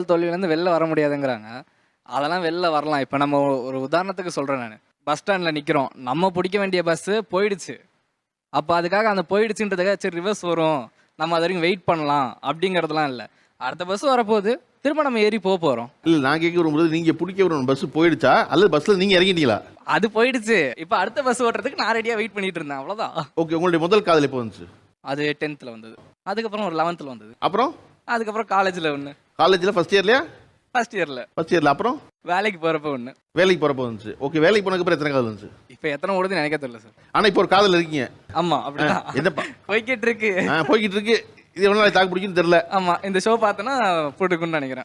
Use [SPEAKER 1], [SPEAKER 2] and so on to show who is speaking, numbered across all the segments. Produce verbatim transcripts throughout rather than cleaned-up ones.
[SPEAKER 1] தோல்வியிலேருந்து வெளில வர முடியாதுங்கிறாங்க. அதெல்லாம் வெளில வரலாம். இப்போ நம்ம ஒரு உதாரணத்துக்கு சொல்கிறேன் நான். பஸ் ஸ்டாண்டில் நிற்கிறோம். நம்ம பிடிக்க வேண்டிய பஸ்ஸு போயிடுச்சு. அப்போ அதுக்காக அந்த போயிடுச்சுன்றதுக்காக சரி ரிவர்ஸ் வரும், நம்ம அது வரைக்கும் வெயிட் பண்ணலாம் அப்படிங்கிறதுலாம் இல்லை. அடுத்த பஸ் வரப்போகுது, திரும்ப நம்ம ஏறி போக போகிறோம்.
[SPEAKER 2] இல்லை, நான் கேட்க வரும்போது நீங்கள் பிடிக்க வரும் பஸ் போயிடுச்சா அல்லது பஸ்ஸில் நீங்கள் இறங்கிட்டீங்களா?
[SPEAKER 1] அது போயிடுச்சு. இப்போ அடுத்த பஸ் ஓட்டுறதுக்கு நான் ரெடியாக வெயிட் பண்ணிட்டு இருந்தேன், அவ்வளோதான்.
[SPEAKER 2] ஓகே, உங்களுடைய முதல் காதல் எப்போ வந்துச்சு?
[SPEAKER 1] அது டென்த்தில் வந்தது. அதுக்கப்புறம் ஒரு லெவன்த்தில் வந்தது.
[SPEAKER 2] அப்புறம்
[SPEAKER 1] அதுக்கப்புறம் காலேஜில் ஒன்று.
[SPEAKER 2] காலேஜில் ஃபர்ஸ்ட் இயர்லையா?
[SPEAKER 1] ஃபர்ஸ்ட் இயரில்.
[SPEAKER 2] ஃபர்ஸ்ட் இயரில். அப்புறம்
[SPEAKER 1] வேலைக்கு போகிறப்ப ஒன்று.
[SPEAKER 2] வேலைக்கு போகிறப்போ வந்துச்சு. ஓகே, வேலைக்கு போனதுக்கப்புறம் எத்தனை காதல் வந்துச்சு?
[SPEAKER 1] இப்போ எத்தனை ஓடுதுன்னு எனக்கே தெரியல சார்.
[SPEAKER 2] ஆனால் இப்போ ஒரு காதல் இருக்கீங்க.
[SPEAKER 1] ஆமாம், அப்படிதான்
[SPEAKER 2] என்னப்பா
[SPEAKER 1] போய்கிட்டு இருக்கு.
[SPEAKER 2] ஆ போய்கிட்டு இருக்கு. இது எவ்வளோ நாளைக்கு தாக்கு பிடிக்குன்னு தெரியல.
[SPEAKER 1] ஆமாம், இந்த ஷோ பார்த்தோன்னா போட்டுக்குன்னு நினைக்கிறேன்.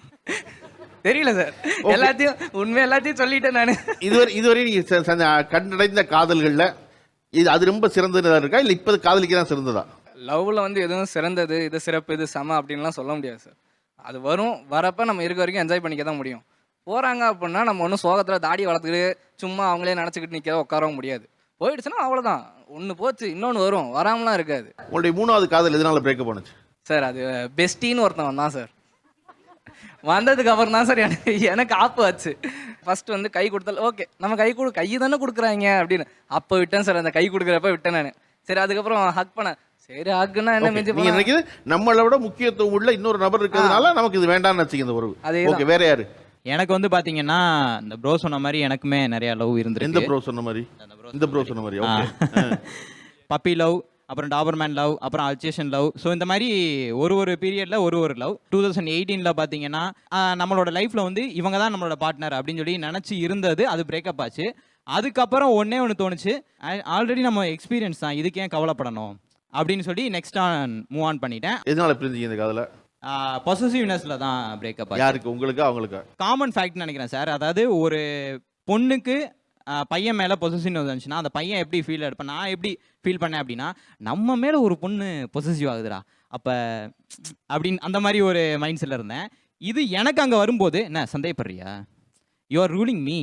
[SPEAKER 1] தெரியல சார், எல்லாத்தையும் உண்மை எல்லாத்தையும் சொல்லிட்டேன் நான்.
[SPEAKER 2] இதுவரை இதுவரை நீங்கள் கண்டடைந்த காதல்களில் இது அது ரொம்ப சிறந்ததாக இருக்கா இல்லை இப்போ காதலிக்கு தான் சிறந்ததா?
[SPEAKER 1] லவ்வில் வந்து எதுவும் சிறந்தது, இது சிறப்பு, இது சம அப்படின்லாம் சொல்ல முடியாது சார். அது வரும், வரப்போ நம்ம இருக்க வரைக்கும் என்ஜாய் பண்ணிக்க தான் முடியும். போகிறாங்க அப்படின்னா நம்ம ஒன்றும் சோகத்தில் தாடி வளர்த்துக்கிட்டு சும்மா அவங்களே நினச்சிக்கிட்டு நிற்க உட்காரவும் முடியாது. போயிடுச்சுன்னா அவ்வளோதான், ஒன்று போச்சு, இன்னொன்று வரும், வராமலாம் இருக்காது.
[SPEAKER 2] உங்களுடைய மூணாவது காதல் எதனால பிரேக்கப் பண்ணுச்சு?
[SPEAKER 1] சார் அது பெஸ்டின்னு ஒருத்தன் வந்தான் சார். வந்ததுக்கு அப்புறம் தான் சார் எனக்கு எனக்கு ஆப்பு ஆச்சு. ஃபர்ஸ்ட் வந்து கை கொடுத்தால் ஓகே, நம்ம கை கொடு கை தானே கொடுக்குறாங்க அப்படின்னு அப்போ விட்டேன் சார். அந்த கை கொடுக்குறப்ப விட்டேன் நான். சரி, அதுக்கப்புறம் ஹக் பண்ணேன். சரி, ஹக்குன்னா என்ன மிஞ்சி
[SPEAKER 2] நீங்க நினைக்கிறது நம்மளை விட முக்கியத்துவம் உள்ள இன்னொரு நபர் இருக்கிறதுனால நமக்கு இது வேண்டாம்னு வச்சுக்க இந்த உறவு. ஓகே, வேற யாரு?
[SPEAKER 3] எனக்கு வந்து பாத்தீங்கன்னா இந்த ப்ரோ சொன்ன மாதிரி எனக்குமே நிறைய லவ் இருந்திருக்கு.
[SPEAKER 2] எந்த ப்ரோ சொன்ன மாதிரி? இந்த ப்ரோ சொன்ன மாதிரி. ஓகே.
[SPEAKER 3] பப்பி லவ், அப்புறம் டாபர்மேன் லவ், அப்புறம் அல்சேஷன் லவ். ஸோ இந்த மாதிரி ஒரு ஒரு பீரியட்ல ஒரு ஒரு லவ். டூ தௌசண்ட் எயிட்டீன்ல பார்த்தீங்கன்னா நம்மளோட லைஃப்ல வந்து இவங்க தான் நம்மளோட பார்ட்னர் அப்படின்னு சொல்லி நினச்சி இருந்தது. அது பிரேக்கப் ஆச்சு. அதுக்கப்புறம் ஒன்னே ஒன்று தோணுச்சு, ஆல்ரெடி நம்ம எக்ஸ்பீரியன்ஸ் தான், இதுக்கு ஏன் கவலைப்படணும் அப்படின்னு சொல்லி நெக்ஸ்ட் ஆன் மூவ் ஆன் பண்ணிட்டேன்.
[SPEAKER 2] எதனால பிரிஞ்சீங்க இந்த காதல?
[SPEAKER 3] பொசசிவ்னஸ்ல தான் பிரேக்கப் ஆச்சு.
[SPEAKER 2] யாருக்கு, உங்களுக்கு அவங்களுக்கு?
[SPEAKER 3] காமன் ஃபேக்ட்னு நினைக்கிறேன் சார். அதாவது ஒரு பொண்ணுக்கு பையன் மேலே பொசசிவ் வந்துச்சுன்னா அந்த பையன் எப்படி ஃபீல் எடுப்பேன், நான் எப்படி ஃபீல் பண்ணேன் அப்படின்னா, நம்ம மேலே ஒரு பொண்ணு பொசசிவ் ஆகுதுடா அப்போ அப்படின்னு அந்த மாதிரி ஒரு மைண்ட் செட்டில் இருந்தேன். இது எனக்கு அங்கே வரும்போது என்ன சந்தேகப்படுறியா, யூ ஆர் ரூலிங் மீ.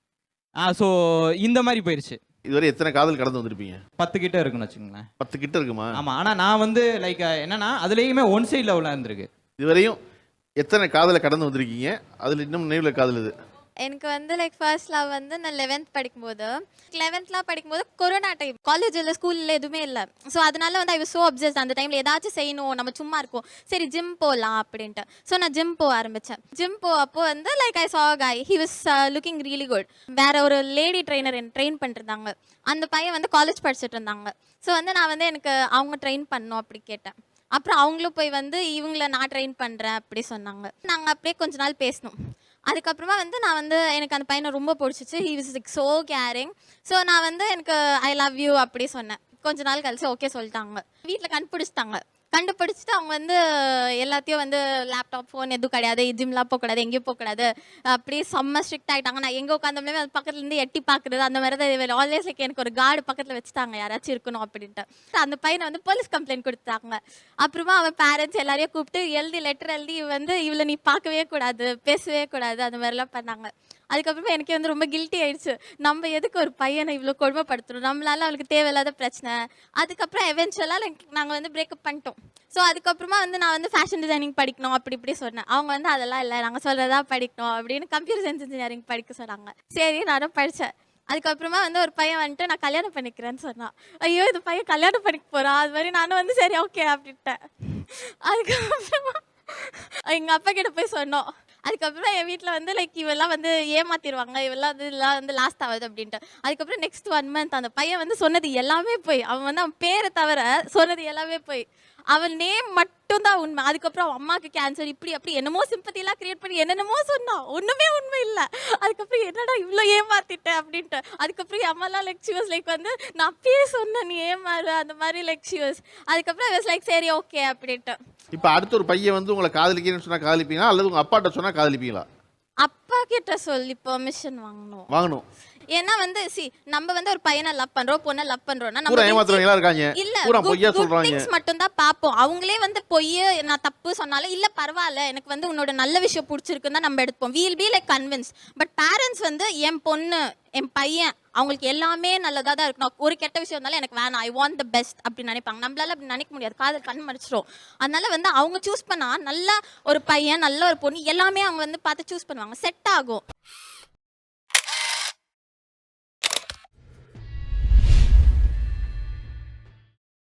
[SPEAKER 3] ஆ ஸோ இந்த மாதிரி போயிடுச்சு.
[SPEAKER 2] இதுவரை எத்தனை காதல் கடந்து வந்திருப்பீங்க?
[SPEAKER 3] பத்து கிட்ட இருக்குன்னு வச்சுக்கோங்களேன்.
[SPEAKER 2] பத்து கிட்ட இருக்குமா?
[SPEAKER 3] ஆமாம். ஆனால் நான் வந்து லைக் என்னன்னா அதுலேயுமே ஒன் சைட் லெவலில் இருந்திருக்கு.
[SPEAKER 2] இதுவரையும் எத்தனை காதலை கடந்து வந்திருக்கீங்க? அதில் இன்னும் நினைவில் காதல் இது?
[SPEAKER 4] எனக்கு வந்து லைக் ஃபர்ஸ்ட் லவ் வந்து நான் லெவன்த் படிக்கும்போது லெவன்த்லாம் படிக்கும்போது கொரோனா டைம், காலேஜில் ஸ்கூலில் எதுவுமே இல்லை. ஸோ அதனால வந்து ஐ வாஸ் ஸோ அப்சஸ்ட். அந்த டைமில் ஏதாச்சும் செய்யணும், நம்ம சும்மா இருக்கோம், சரி ஜிம் போகலாம் அப்படின்ட்டு. ஸோ நான் ஜிம் போக ஆரம்பித்தேன். ஜிம் போ அப்போ வந்து like I saw guy, he was looking really good. வேற ஒரு லேடி ட்ரெயினர் என்ன ட்ரெயின் பண்ணிருந்தாங்க. அந்த பையன் வந்து காலேஜ் படிச்சுட்டு இருந்தாங்க. ஸோ வந்து நான் வந்து எனக்கு அவங்க ட்ரெயின் பண்ணணும் அப்படி கேட்டேன். அப்புறம் அவங்களும் போய் வந்து இவங்கள நான் ட்ரெயின் பண்ணுறேன் அப்படி சொன்னாங்க. நாங்கள் அப்படியே கொஞ்ச நாள் பேசணும். அதுக்கப்புறமா வந்து நான் வந்து எனக்கு அந்த பையனை ரொம்ப பிடிச்சிச்சு. He was like so caring. So நான் வந்து எனக்கு ஐ லவ் யூ அப்படி சொன்னேன். கொஞ்ச நாள் கழிச்சு ஓகே சொல்லிட்டாங்க. வீட்டில் கண்டுபிடிச்சிட்டாங்க. கண்டுபிடிச்சிட்டு அவங்க வந்து எல்லாத்தையும் வந்து லேப்டாப் ஃபோன் எதுவும் கிடையாது, ஜிம்லாம் போகக்கூடாது, எங்கேயும் போகக்கூடாது, அப்படியே செம்ம ஸ்ட்ரிக்ட் ஆகிட்டாங்க. நான் எங்கே உட்காந்தோம்லேயே அது பக்கத்துலேருந்து எட்டி பார்க்குறது அந்த மாதிரி தான். ஆல்வேஸ் லைக் எனக்கு ஒரு கார்டு பக்கத்தில் வச்சுட்டாங்க, யாராச்சும் இருக்கணும் அப்படின்ட்டு. அந்த பையனை வந்து போலீஸ் கம்ப்ளைண்ட் கொடுத்தாங்க. அப்புறமா அவன் பேரண்ட்ஸ் எல்லாரையும் கூப்பிட்டு எழுதி லெட்டர் எழுதி வந்து இவளை நீ பார்க்கவே கூடாது, பேசவே கூடாது, அந்த மாதிரிலாம் பண்ணாங்க. அதுக்கப்புறமா எனக்கே வந்து ரொம்ப கில்ட்டி ஆயிடுச்சு. நம்ம எதுக்கு ஒரு பையனை இவ்வளோ கொடுமைப்படுத்துறோம், நம்மளால அவளுக்கு தேவையில்லாத பிரச்சனை. அதுக்கப்புறம் எவென்ச்சுவலாக லைக் நாங்கள் வந்து பிரேக்கப் பண்ணிட்டோம். ஸோ அதுக்கப்புறமா வந்து நான் வந்து ஃபேஷன் டிசைனிங் படிக்கணும் அப்படி இப்படி சொன்னேன். அவங்க வந்து அதெல்லாம் இல்லை, நாங்கள் சொல்கிறதா படிக்கணும் அப்படின்னு கம்ப்யூட்டர் சயின்ஸ் இன்ஜினியரிங் படிக்க சொன்னாங்க. சரி, நானும் படித்தேன். அதுக்கப்புறமா வந்து ஒரு பையன் வந்துட்டு நான் கல்யாணம் பண்ணிக்கிறேன்னு சொன்னான். ஐயோ, இது பையன் கல்யாணம் பண்ணிக்க போகிறான். அது மாதிரி நானும் வந்து சரி ஓகே அப்படின்ட்டேன். அதுக்கப்புறமா எங்கள் அப்பா கிட்ட போய் சொன்னோம். அதுக்கப்புறம் என் வீட்டில் வந்து லைக் இவெல்லாம் வந்து ஏமாத்திடுவாங்க, இவெல்லாம் வந்து இதெல்லாம் வந்து லாஸ்ட் ஆகுது அப்படின்ட்டு. அதுக்கப்புறம் நெக்ஸ்ட் ஒன் மந்த் அந்த பையன் வந்து சொன்னது எல்லாமே போய், அவன் வந்து அவன் பேரை தவிர சொன்னது எல்லாமே போய், அவன் நேம் மட்டும் தான் உண்மை. அதுக்கப்புறம் அவன் அம்மாவுக்கு கேன்சர் இப்படி அப்படி என்னமோ சிம்பத்திலாம் கிரியேட் பண்ணி என்னென்னமோ சொன்னான், ஒன்றுமே உண்மை இல்லை. அதுக்கப்புறம் என்னடா இவ்வளோ ஏமாத்திட்டேன் அப்படின்ட்டு. அதுக்கப்புறம் என் அம்மாலாம் லைக் ஷி வாஸ் லைக் வந்து நான் அப்பயே சொன்னேன் நீ ஏமாறு அந்த மாதிரி லைக் ஷி வாஸ். அதுக்கப்புறம் வாஸ் லைக் சரி ஓகே அப்படின்ட்டு.
[SPEAKER 2] இப்போ அடுத்த ஒரு பையன் வந்து உங்களை காதலிக்கிறேன்னு சொன்னால் காதலிப்பீங்களா அல்லது உங்கள் அப்பாட்ட சொன்னால் காதலிப்பீங்களா?
[SPEAKER 4] அப்பா கிட்ட சொல்லி பெர்மிஷன் வாங்கணும்.
[SPEAKER 2] வாங்கணும்.
[SPEAKER 4] ஏன்னா வந்து சி நம்ம வந்து ஒரு பையனை லவ் பண்றோம், பொண்ணை லவ் பண்றோம்னா
[SPEAKER 2] பூரா
[SPEAKER 4] நம்ம
[SPEAKER 2] ஏமாத்துறவங்களா இருக்காங்க.
[SPEAKER 4] இல்ல
[SPEAKER 2] பூரா பொய்யா சொல்றாங்க.
[SPEAKER 4] திங்ஸ் மட்டும் தான் பாப்போம். அவங்களே வந்து பொய் நான் தப்பு சொன்னாலும் இல்ல பரவாயில்ல எனக்கு வந்து உன்னோட நல்ல விஷயம் பிடிச்சிருக்குன்னு தான் நம்ம எடுப்போம். We'll be like convince. But parents வந்து என் பொண்ணு என் பையன் அவங்களுக்கு எல்லாமே நல்லதா தான் இருக்கணும். ஒரு கெட்ட விஷயம் இருந்தாலும் எனக்கு வேணாம், ஐ வாண்ட் த பெஸ்ட் அப்படி நினைப்பாங்க. நம்மளால அப்படி நினைக்க முடியாது, காதல் கண் மறைச்சிரும். அதனால வந்து அவங்க சூஸ் பண்ணா நல்ல ஒரு பையன் நல்ல ஒரு பொண்ணு எல்லாமே அவங்க வந்து பார்த்து சூஸ் பண்ணுவாங்க, செட் ஆகும்.